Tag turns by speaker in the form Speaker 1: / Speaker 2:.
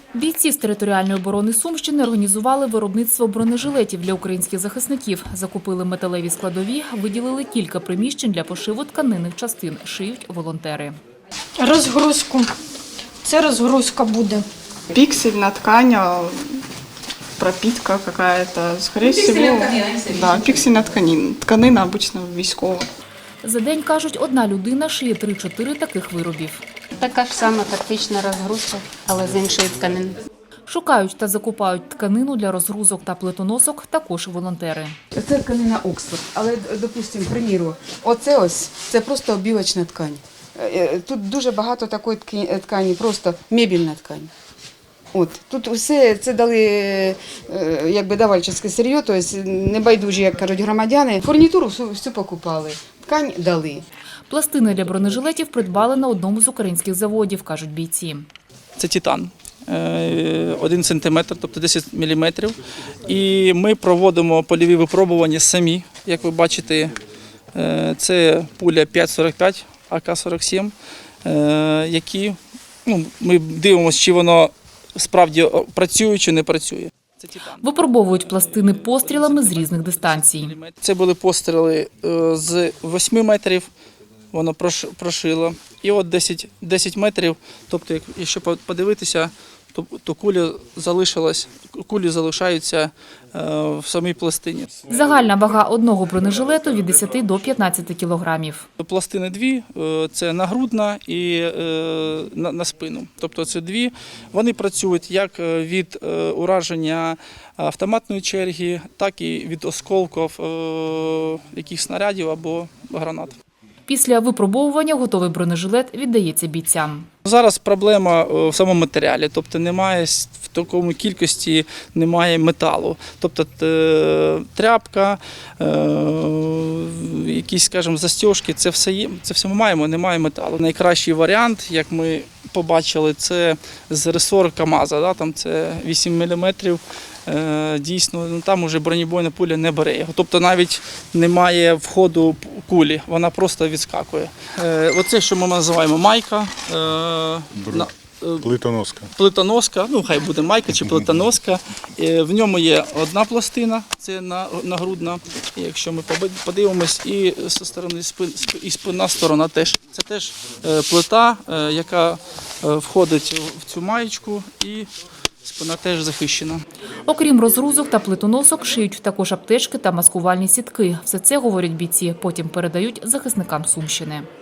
Speaker 1: Бійці з територіальної оборони Сумщини організували виробництво бронежилетів для українських захисників. Закупили металеві складові, виділили кілька приміщень для пошиву тканинних частин. Шиють волонтери.
Speaker 2: Розгрузку. Це розгрузка буде.
Speaker 3: Пиксельная ткань, пропитка какая-то, скорее всего. Да, пиксельная тканина. Тканина обычно військова.
Speaker 1: За день, кажуть, одна людина шиє 3-4 таких виробів.
Speaker 4: Така ж сама тактична розгрузка, але з іншої тканини.
Speaker 1: Шукають та закупають тканину для розгрузок та плитоносок також волонтери.
Speaker 5: Це тканина Оксфорд, але, допустимо, приміру, це просто обівочна ткань. Тут дуже багато такої ткані, просто мебельна ткань. Тут все це дали давальчиське сир'є, тобто небайдужі, як кажуть, громадяни. Фурнітуру всю покупали, ткань дали.
Speaker 1: Пластини для бронежилетів придбали на одному з українських заводів, кажуть бійці.
Speaker 6: Це титан, 1 сантиметр, тобто 10 міліметрів. І ми проводимо польові випробування самі. Як ви бачите, це пуля 5,45, АК-47, які ми дивимося, чи воно справді працює чи не працює.
Speaker 1: Випробовують пластини пострілами з різних дистанцій.
Speaker 6: Це були постріли з 8 метрів, воно прошило. І от 10 метрів, тобто якщо подивитися, то кулі залишаються в самій пластині.
Speaker 1: Загальна вага одного бронежилету від 10 до 15 кілограмів.
Speaker 6: Пластини дві, це нагрудна і на спину. Тобто це дві. Вони працюють як від ураження автоматної черги, так і від осколків якихось снарядів або гранат.
Speaker 1: Після випробовування готовий бронежилет віддається бійцям.
Speaker 6: Зараз проблема в самому матеріалі, тобто немає в такому кількості немає металу. Тобто тряпка, якісь, скажімо, застіжки, це все ми маємо, немає металу. Найкращий варіант, як ми побачили, це з ресор КАМАЗа, там це 8 мм. Дійсно, там вже бронебойна пуля не бере його. Тобто навіть немає входу кулі, вона просто відскакує. Оце, що ми називаємо майка.
Speaker 7: Плитоноска.
Speaker 6: Плитоноска, хай буде майка чи плитоноска. В ньому є одна пластина, це нагрудна. Якщо ми подивимось, і зі сторони і спинна сторона теж. Це теж плита, яка входить в цю маєчку, і спина теж захищена.
Speaker 1: Окрім розгрузок та плитоносок, шиють також аптечки та маскувальні сітки. Все це, говорять бійці, потім передають захисникам Сумщини.